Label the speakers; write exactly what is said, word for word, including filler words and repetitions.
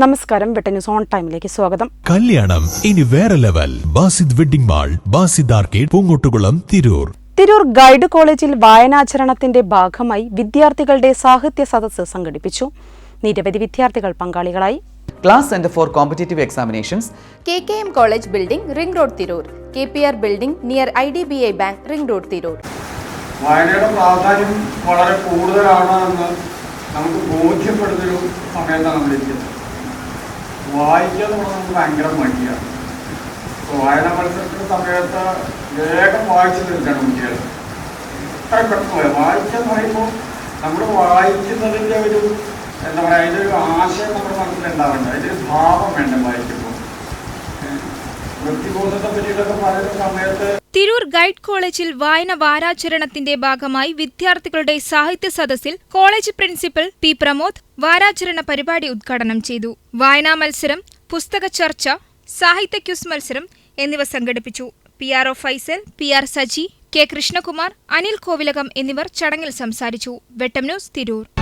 Speaker 1: നമസ്കാരം, വെട്ടൻ news on ടൈമിലേക്ക് സ്വാഗതം.
Speaker 2: കല്യാണം ഇനി വേറെ level. Basid wedding mall, Basid arcade, Poongottukulam, Tirur.
Speaker 1: Tirur guide കോളേജിൽ വായനാചരണത്തിന്റെ ഭാഗമായി വിദ്യാർത്ഥികളുടെ സാഹിത്യ സദസ്സ് സംഘടിപ്പിച്ചു. നിരവധി വിദ്യാർത്ഥികൾ പങ്കാളികളായി.
Speaker 3: Class centre for competitive examinations,
Speaker 4: K K M college building, ring road, Tirur. K P R building near I D B I bank, ring road, Tirur.
Speaker 5: വായനയുടെ പ്രാധാന്യം വളരെ കൂടുതലാണ് എന്ന് നമുക്ക് ബോധ്യപ്പെടുന്നൊരു സമയത്താണ് നമ്മളിരിക്കുന്നത്. വായിക്കുക എന്ന് പറഞ്ഞാൽ നമുക്ക് ഭയങ്കര മടിയാണ്. ഇപ്പോൾ വായന മത്സരത്തിൻ്റെ സമയത്ത് വേഗം വായിച്ചു തീർക്കണം കുട്ടികൾ. അത്ര പെട്ടെന്ന് പോയാൽ വായിക്കുക എന്ന് പറയുമ്പോൾ നമ്മൾ വായിക്കുന്നതിൻ്റെ ഒരു എന്താ പറയുക, അതിൻ്റെ ഒരു ആശയം നമ്മുടെ മനസ്സിലുണ്ടാവേണ്ട, അതിൻ്റെ ഒരു ഭാവം വേണ്ട വായിക്കുമ്പോൾ. വൃത്തിബോധത്തെ പറ്റിയിട്ടൊക്കെ പറയുന്ന സമയത്ത്
Speaker 6: തിരൂർ ഗൈഡ് കോളേജിൽ വായന വാരാചരണത്തിന്റെ ഭാഗമായി വിദ്യാർത്ഥികളുടെ സാഹിത്യ സദസ്സിൽ കോളേജ് പ്രിൻസിപ്പൽ പി പ്രമോദ് വാരാചരണ പരിപാടി ഉദ്ഘാടനം ചെയ്തു. വായനാ മത്സരം, പുസ്തക ചർച്ച, സാഹിത്യ ക്യൂസ് മത്സരം എന്നിവ സംഘടിപ്പിച്ചു. P R O Faisal, P R Saji, K Krishnakumar, Anil Kovilakam എന്നിവർ ചടങ്ങിൽ സംസാരിച്ചു. വെട്ടം ന്യൂസ്, തിരൂർ.